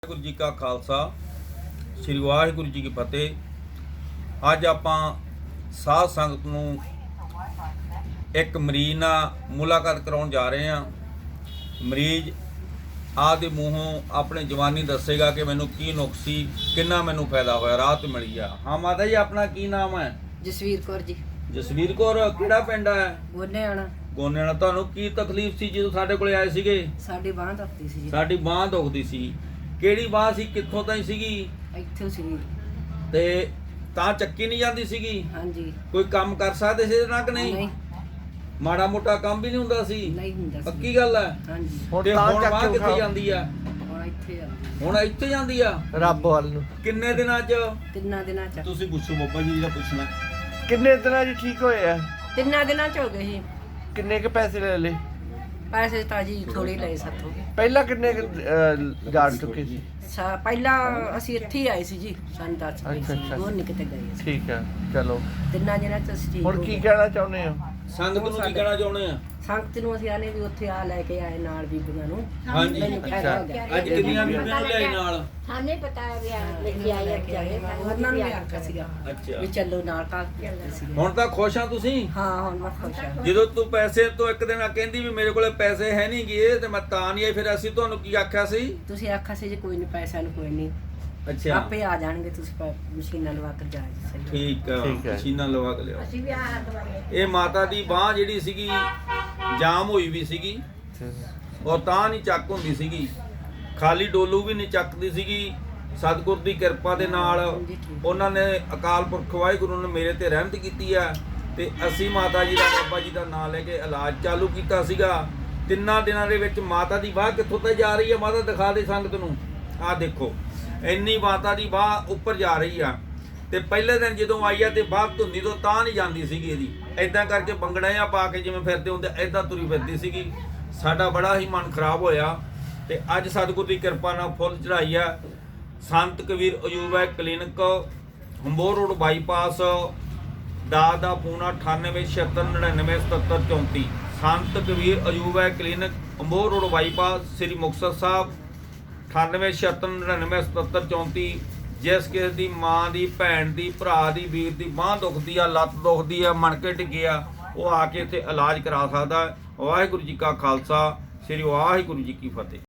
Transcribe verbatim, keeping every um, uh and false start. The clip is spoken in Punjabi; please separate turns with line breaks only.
वाहिगुरू जी का खालसा श्री वाहिगुरू जी की फतेह। अज आपां साध संगत नूं एक मरीज नाल मुलाकात कराउण जा रहे हैं। मरीज आपदे मूहों अपने जवानी दसेगा कि मैनूं की नुक्स सी, किन्ना मैनूं फायदा होया, राहत मिली आ। हाँ माता जी, अपना की नाम है?
जसवीर कौर जी।
जसवीर कौर, किहड़ा पिंड है?
गोने आना।
गोने वाला। तुहानूं की तकलीफ सी जदों साडे कोले आए सीगे?
साडी बांह दुखदी सी जी।
साडी बांह दुखदी सी। ਕਿਹੜੀ ਬਾਂਹ ਸੀ, ਕਿੱਥੋਂ ਤਾਈਂ ਸੀਗੀ?
ਇੱਥੇ ਸੀ
ਤੇ ਤਾਂ ਚੱਕੀ ਨਹੀਂ ਜਾਂਦੀ ਸੀਗੀ?
ਹਾਂਜੀ।
ਕੋਈ ਕੰਮ ਕਰ ਸਕਦੇ ਸੀ ਇਹਦੇ ਨਾਲ ਕਿ ਨਹੀਂ?
ਨਹੀਂ
ਮਾੜਾ ਮੋਟਾ ਕੰਮ ਵੀ ਨਹੀਂ ਹੁੰਦਾ ਸੀ?
ਨਹੀਂ ਹੁੰਦਾ ਸੀ।
ਪੱਕੀ ਗੱਲ ਹੈ।
ਹਾਂਜੀ।
ਤੇ ਹੁਣ ਬਾਂਹ ਕਿੱਥੇ ਜਾਂਦੀ ਆ?
ਹੁਣ ਇੱਥੇ ਆ।
ਹੁਣ ਇੱਥੇ ਜਾਂਦੀ ਆ
ਰੱਬ ਵੱਲ ਨੂੰ।
ਕਿੰਨੇ ਦਿਨਾਂ ਚ?
ਤਿੰਨਾਂ ਦਿਨਾਂ ਚ।
ਤੁਸੀਂ ਪੁੱਛੋ ਬਾਬਾ ਜੀ, ਜਿਹੜਾ ਪੁੱਛਣਾ।
ਕਿੰਨੇ ਦਿਨਾਂ 'ਚ ਠੀਕ ਹੋਏ ਆ?
ਤਿੰਨਾਂ ਦਿਨਾਂ ਚ ਹੋ ਗਏ ਸੀ।
ਕਿੰਨੇ ਕ ਪੈਸੇ ਲੈ ਲਏ?
ਪੈਸੇ ਤਾਂ ਜੀ ਥੋੜੇ ਲਏ ਸਾਥੋਂ।
ਪਹਿਲਾਂ ਕਿੰਨੇ ਕੁ, ਅਹ, ਜਾਣ ਚੁੱਕੇ ਸੀ?
ਸਾ ਪਹਿਲਾਂ ਅਸੀਂ ਇੱਥੇ ਹੀ ਆਏ ਸੀ ਜੀ। ਸਾਨੂੰ ਦੱਸ ਪਏ
ਅੱਛਾ,
ਸੀ
ਅੱਛਾ।
ਹੋਰ ਨਹੀਂ ਕਿਤੇ ਗਏ ਸੀ।
ਠੀਕ ਆ, ਚਲੋ।
ਤਿੰਨਾਂ ਦਿਨਾਂ ਚ ਅਸੀਂ ਠੀਕ
ਹੁਣ
ਹੋ
ਕੀ
ਗਏ।
ਕਹਿਣਾ ਚਾਹੁੰਦੇ ਹੋ?
ਸੰਗਤ ਨੂੰ ਕੀ ਕਹਿਣਾ ਚਾਹੁੰਦੇ ਆ?
ਸੰਗਤ ਨੂੰ ਅਸੀਂ ਆਨੇ ਵੀ ਉੱਥੇ ਆ ਲੈ ਕੇ ਆਏ ਨਾਲ ਬੀਬੀਆਂ ਨੂੰ।
ਹਾਂਜੀ।
ਮੈਨੂੰ ਫਾਇਦਾ ਹੋ ਗਿਆ।
ਅੱਜ ਕਿੰਨੀਆਂ ਬੀਬੀਆਂ ਨੂੰ ਲਿਆਏ ਨਾਲ?
थाने बताया गया लेके आए अब जाके
ਉਹਨਾਂ ਨੂੰ ਵੀ ਆਖਿਆ ਸੀਗਾ
ਅੱਛਾ।
ਵੀ ਚੱਲੋ ਨਾਲ ਕਾਲ ਸੀ।
ਹੁਣ ਤਾਂ ਖੁਸ਼ ਆ ਤੁਸੀਂ?
ਹਾਂ ਹੁਣ ਮੈਂ ਖੁਸ਼ ਹਾਂ।
ਜਦੋਂ ਤੂੰ ਪੈਸੇ ਤੋਂ ਇੱਕ ਦਿਨ ਆ ਕਹਿੰਦੀ ਵੀ ਮੇਰੇ ਕੋਲੇ ਪੈਸੇ ਹੈ ਨਹੀਂ ਗੇ ਤੇ ਮੈਂ ਤਾਂ ਨਹੀਂ ਆਈ, ਫਿਰ ਅਸੀਂ ਤੁਹਾਨੂੰ ਕੀ ਆਖਿਆ ਸੀ?
ਤੁਸੀਂ ਆਖਿਆ ਸੀ ਜੀ ਕੋਈ ਨਹੀਂ ਪੈਸਾ ਨੂੰ ਕੋਈ ਨਹੀਂ
ਅੱਛਾ
ਆਪੇ ਆ ਜਾਣਗੇ, ਤੁਸੀਂ ਪ- ਮਸ਼ੀਨਾਂ ਲਵਾ ਕੇ ਜਾ ਜੀ। ਸਹੀ
ਠੀਕ ਆ,
ਠੀਕ ਹੈ।
ਮਸ਼ੀਨਾਂ ਲਵਾ ਕੇ ਲਿਆਓ।
ਅਸੀਂ ਵੀ ਆ ਦਵਾਈ
ਇਹ ਮਾਤਾ ਦੀ ਬਾਹ ਜਿਹੜੀ ਸੀਗੀ ਜਾਮ ਹੋਈ ਵੀ ਸੀਗੀ ਔਰ ਤਾਂ ਨਹੀਂ ਚੱਕ ਹੁੰਦੀ ਸੀਗੀ, ਖਾਲੀ ਡੋਲੂ ਵੀ ਨਹੀਂ ਚੱਕਦੀ ਸੀਗੀ। ਸਤਿਗੁਰ ਦੀ ਕਿਰਪਾ ਦੇ ਨਾਲ ਉਹਨਾਂ ਨੇ, ਅਕਾਲ ਪੁਰਖ ਵਾਹਿਗੁਰੂ ਨੇ ਮੇਰੇ ਤੇ ਰਹਿਮਤ ਕੀਤੀ ਆ ਤੇ ਅਸੀਂ ਮਾਤਾ ਜੀ ਦਾ, ਬਾਬਾ ਜੀ ਦਾ ਨਾਮ ਲੈ ਕੇ ਇਲਾਜ ਚਾਲੂ ਕੀਤਾ ਸੀਗਾ। ਤਿੰਨਾਂ ਦਿਨਾਂ ਦੇ ਵਿੱਚ ਮਾਤਾ ਦੀ ਬਾਹ ਕਿੱਥੋਂ ਤੱਕ ਜਾ ਰਹੀ ਆ? ਮਾਤਾ ਦਿਖਾ ਦੇ ਸੰਗਤ ਨੂੰ। ਆਹ ਦੇਖੋ, ਇੰਨੀ ਮਾਤਾ ਦੀ ਬਾਹ ਉੱਪਰ ਜਾ ਰਹੀ ਆ। ਤੇ ਪਹਿਲੇ ਦਿਨ ਜਦੋਂ ਆਈ ਆ ਤੇ ਬਾਹ ਧੁੰਨੀ ਤੋਂ ਤਾਂ ਨਹੀਂ ਜਾਂਦੀ ਸੀਗੀ ਇਹਦੀ, ਐਦਾਂ ਕਰਕੇ ਬੰਗੜਿਆਂ ਪਾ ਕੇ ਜਿਵੇਂ ਫਿਰਦੇ ਹੁੰਦੇ ਐਦਾਂ ਤੁਰੀ ਫਿਰਦੀ ਸੀਗੀ। ਸਾਡਾ ਬੜਾ ਹੀ ਮਨ ਖਰਾਬ ਹੋਇਆ ਤੇ ਅੱਜ ਸਤਿਗੁਰ ਦੀ ਕਿਰਪਾ ਨਾਲ ਫੁੱਲ ਚੜਾਈ ਆ। ਸੰਤ ਕਬੀਰ ਅਯੂਬਾ ਕਲੀਨਿਕ, ਹੰਬੋਰ ਰੋਡ ਬਾਈਪਾਸ, ਦਾ ਦਾ ਪੂਨਾ ਅਠਾਨਵੇਂ ਛਿਹੱਤਰ ਨੜਿਨਵੇਂ ਸਤੱਤਰ ਚੌਂਤੀ। ਸੰਤ ਕਬੀਰ ਅਯੂਬਾ ਕਲੀਨਿਕ, ਹੰਬੋਰ ਰੋਡ ਬਾਈਪਾਸ, ਸ੍ਰੀ ਮੁਕਤਸਰ ਸਾਹਿਬ, ਅਠਾਨਵੇਂ ਛਿਹੱਤਰ ਨੜਿਨਵੇਂ ਸਤੱਤਰ ਚੌਂਤੀ। ਜਿਸ ਕਿਸੇ ਦੀ ਮਾਂ ਦੀ, ਭੈਣ ਦੀ, ਭਰਾ ਦੀ, ਵੀਰ ਦੀ ਬਾਂਹ ਦੁਖਦੀ ਆ, ਲੱਤ ਦੁਖਦੀ ਆ, ਮਣਕੇ ਡਿੱਗੇ ਆ, ਉਹ ਆ ਕੇ ਇੱਥੇ ਇਲਾਜ ਕਰਾ ਸਕਦਾ। ਵਾਹਿਗੁਰੂ ਜੀ ਕਾ ਖਾਲਸਾ, ਸ੍ਰੀ ਵਾਹਿਗੁਰੂ ਜੀ ਕੀ ਫਤਿਹ।